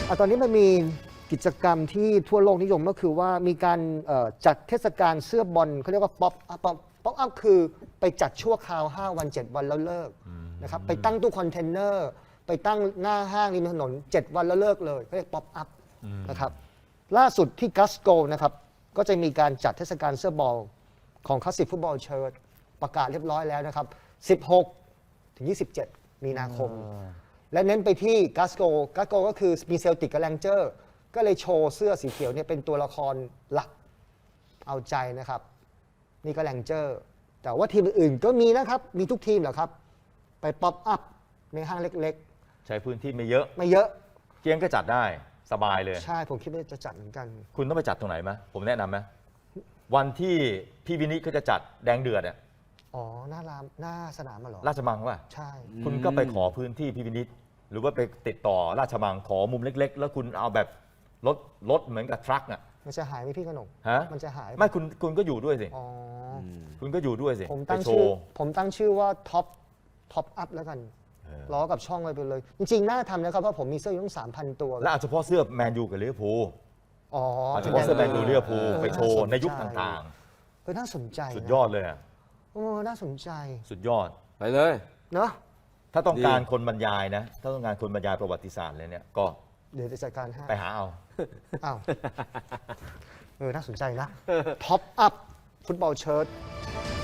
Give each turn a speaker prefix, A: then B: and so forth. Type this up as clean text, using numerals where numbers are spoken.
A: ตอนนี้มันมีกิจกรรมที่ทั่วโลกนิยมก็คือว่ามีการจัดเทศกาลเสื้อบอลเขาเรียกว่าป๊อปอัพคือไปจัดชั่วคราว 5 วัน 7 วันแล้วเลิกนะครับไปตั้งตู้คอนเทนเนอร์ไปตั้งหน้าห้างริมถนน 7 วันแล้วเลิกเลยเขาเรียกป๊อปอัพนะครับล่าสุดที่กัสโกนะครับก็จะมีการจัดเทศกาลเสื้อบอลของคลาสสิกฟุตบอลเชิร์ตประกาศเรียบร้อยแล้วนะครับ16 ถึง 27 มีนาคม และเน้นไปที่กัสโกก็คือมีเซลติกกับแรงเจอร์ก็เลยโชว์เสื้อสีเขียวเนี่ยเป็นตัวละครหลักเอาใจนะครับนี่ก็แรงเจอร์แต่ว่าทีมอื่นๆก็มีนะครับมีทุกทีมเหรอครับไปป๊อปอัพในห้างเล็ก
B: ใช้พื้นที่ไม่เยอะ
A: ๆไม่เยอะ
B: เกียงก็จัดได้สบายเลย
A: ใช่ผมคิดว่าจะจัดเหมือนกัน
B: คุณต้องไปจัดตรงไหนไหมผมแนะนำไหมวันที่พี่วินิจเขาจะจัดแดงเดือดอ่ะ
A: อ๋อหน้าสนามมาหรอ
B: ราชมังป่ะ
A: ใช่
B: คุณก็ไปขอพื้นที่พี่วินิจหรือว่าไปติดต่อราชมังขอมุมเล็กๆ แล้วคุณเอาแบบรถเหมือนกับทรัคอ่ะ
A: มันจะหายไหมพี่ขนม
B: ฮะ
A: มันจะหาย
B: ไม่คุณก็อยู่ด้วยสิ
A: อ๋อ
B: คุณก็อยู่ด้วยสิ
A: ผมตั้งชื่อว่าท็อปอัพแล้วกันล้อกับช่องไปเลยจริงๆน่าทำนะครับเพราะผมมีเสื้ออยู่ตั้ง 3,000 ตัว
B: และเฉพาะเสื้อแมนยูกับลิเวอร์พูล
A: อ๋อ
B: เฉพาะเสื้อแมนยูลิเวอร์พูลไปโชว์ในยุคต่าง
A: ๆน่าสนใจ
B: สุดยอดเลยอ่ะ
A: น่าสนใจ
B: สุดยอด
C: ไปเลย
A: เนาะ
B: ถ้าต้องการคนบรรยายนะถ้าต้องการคนบรรยายประวัติศาสตร์เลยเนี่ยก็
A: เดี๋ยวจะจัดการให้
B: ไปหาเอา
A: อ้าวน่าสนใจนะท็อปอัพฟุตบอลเชิ้ต